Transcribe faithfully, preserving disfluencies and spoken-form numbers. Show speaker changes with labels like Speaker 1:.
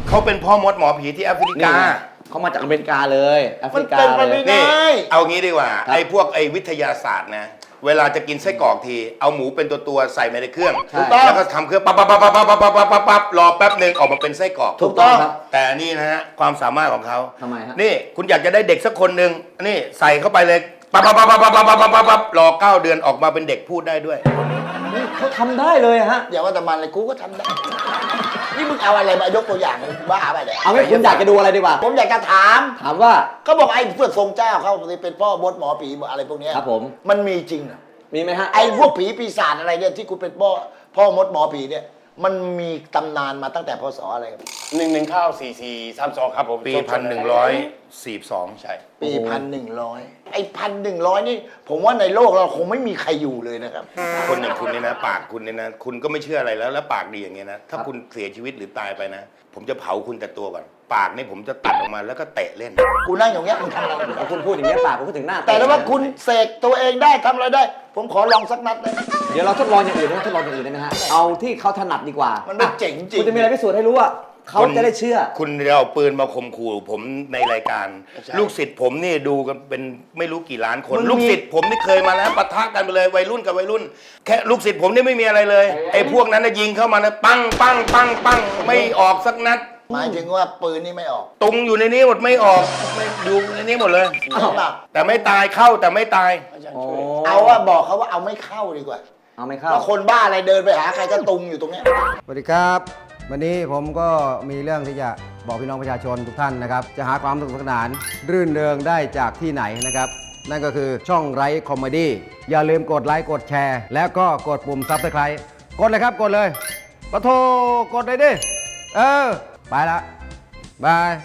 Speaker 1: เขาเป็นพ่อมดหมอผีที่แอฟริกา
Speaker 2: เขามาจากอเมริกาเลยแอฟริกาเลย
Speaker 1: นี่เอางี้ดีกว่าไอ้พวกไอ้วิทยาศาสตร์นะเวลาจะกินไส้กรอกทีเอาหมูเป็นตัวตัวใส่ไปในเครื่องแล้วก็ทำเครื่องปั๊บปั๊บปั๊บปั๊บปั๊บปั๊บปั๊บปั๊บปั๊บรอแป๊บหนึ่งออกมาเป็นไส้กรอก
Speaker 2: ถูกต้องครับ
Speaker 1: แต่นี่นะฮะความสามารถของเขา
Speaker 2: ทำไมฮะ
Speaker 1: นี่คุณอยากจะได้เด็กสักคนหนึ่งนี่ใส่เข้าไปเลยปั๊บปั๊บปั๊บปั๊บปั๊บปั๊บปั๊บปั๊บรอเก้าเดือนออกมาเป็นเด็กพูดได้ด้วย
Speaker 2: นี่เขาทำได้เลยฮะ
Speaker 3: อย่าว่าแต่มันเลยกูก็ทำได้นี่มึงเอาอะไรมายกตัวอย่างบ้าไปเนี่ย
Speaker 2: เอางี้คุณอยากจะดูอะไรดีกว่า
Speaker 3: ผมอยากจะถาม
Speaker 2: ถามว่า
Speaker 3: เขาบอกไอ้เพื่อทรงเจ้าเขาเป็นพ่อมดหมอผีอะไรพวกนี้
Speaker 2: ครับผม
Speaker 3: มันมีจริงเหรอ
Speaker 2: มีไหมฮะ
Speaker 3: ไอ้พวกผีปีศาจอะไรเนี่ยที่คุณเป็นพ่อพ่อมดหมอผีเนี่ยมันมีตำนานมาตั้งแต่พศอะไรครับ
Speaker 4: หนึ่งหนึ่งข้าวสี่สี่สามสองครับผม
Speaker 1: ปีพันหนึ่งร้อยสี่สอง
Speaker 4: ใช่
Speaker 3: ปีพันหนึ่งร้อยไอ้พันหนึ่งร้อยนี่ผมว่าในโลกเราคงไม่มีใครอยู่เลยนะครับ
Speaker 1: คนอย่างคุณเนี่ยนะปากคุณเนี่ยนะคุณก็ไม่เชื่ออะไรแล้วแล้วปากดีอย่างเงี้ยนะถ้าคุณเสียชีวิตหรือตายไปนะผมจะเผาคุณแต่ตัวก่อนปากนี่ผมจะตัดออกมาแล้วก็เตะเล่น
Speaker 3: กูนั่งอย่างเงี้ยมึงทำอะไร
Speaker 2: พอคุณพูดอย่างนี้ปากผมก็ถึงหน้า
Speaker 3: แต่ถ้าคุณเสกตัวเองได้ทำอะไรได้ผมขอลองสักนัดเลย
Speaker 2: เดี๋ยวเราทดลองอย่างอื่นนะทดลองอย่างอื่นได้ไหมฮะเอาที่เขาถนัดดีกว่า
Speaker 3: มันไม่เจ๋งจริง
Speaker 2: คุณจะมีอะไรพิสูจน์ให้รู้ว่าเขาจะได้เชื่อ
Speaker 1: คุณจะเอาปืนมาข่มขู่ผมในรายการลูกศิษย์ผมนี่ดูกันเป็นไม่รู้กี่ล้านคนลูกศิษย์ผมนี่เคยมาแล้วปะทะกันไปเลยวัยรุ่นกับวัยรุ่นแค่ลูกศิษย์ผมนี่ไม่มีอะไรเลยไอ้พวกนั้นยิงเข้ามานะปังปังปังปังไม่ออกสักนัด
Speaker 3: หมายถึงว่าปืนนี่ไม่ออก
Speaker 1: ตุงอยู่ในนี้หมดไม่ออกไม่อยู่ในนี้หมดเลยแต่ไม่ตายเข้าแต่ไม่ตาย
Speaker 3: เอาว่าบอกเขาว่าเอาไม่เข้าดีกว่า
Speaker 2: เอาไม่เข้า
Speaker 3: แล้วคนบ้าอะไรเดินไปหาใครก็ตุงอยู่ตรงนี้
Speaker 5: สวัสดีครับวันนี้ผมก็มีเรื่องที่จะบอกพี่น้องประชาชนทุกท่านนะครับจะหาความสนุกสนานรื่นเริงได้จากที่ไหนนะครับนั่นก็คือช่องไร้คอมเมดี้อย่าลืมกดไลค์กดแชร์แล้วก็กดปุ่มซับสไครต์กดเลยครับกดเลยปะโทกดเลยดิเออไปละบาย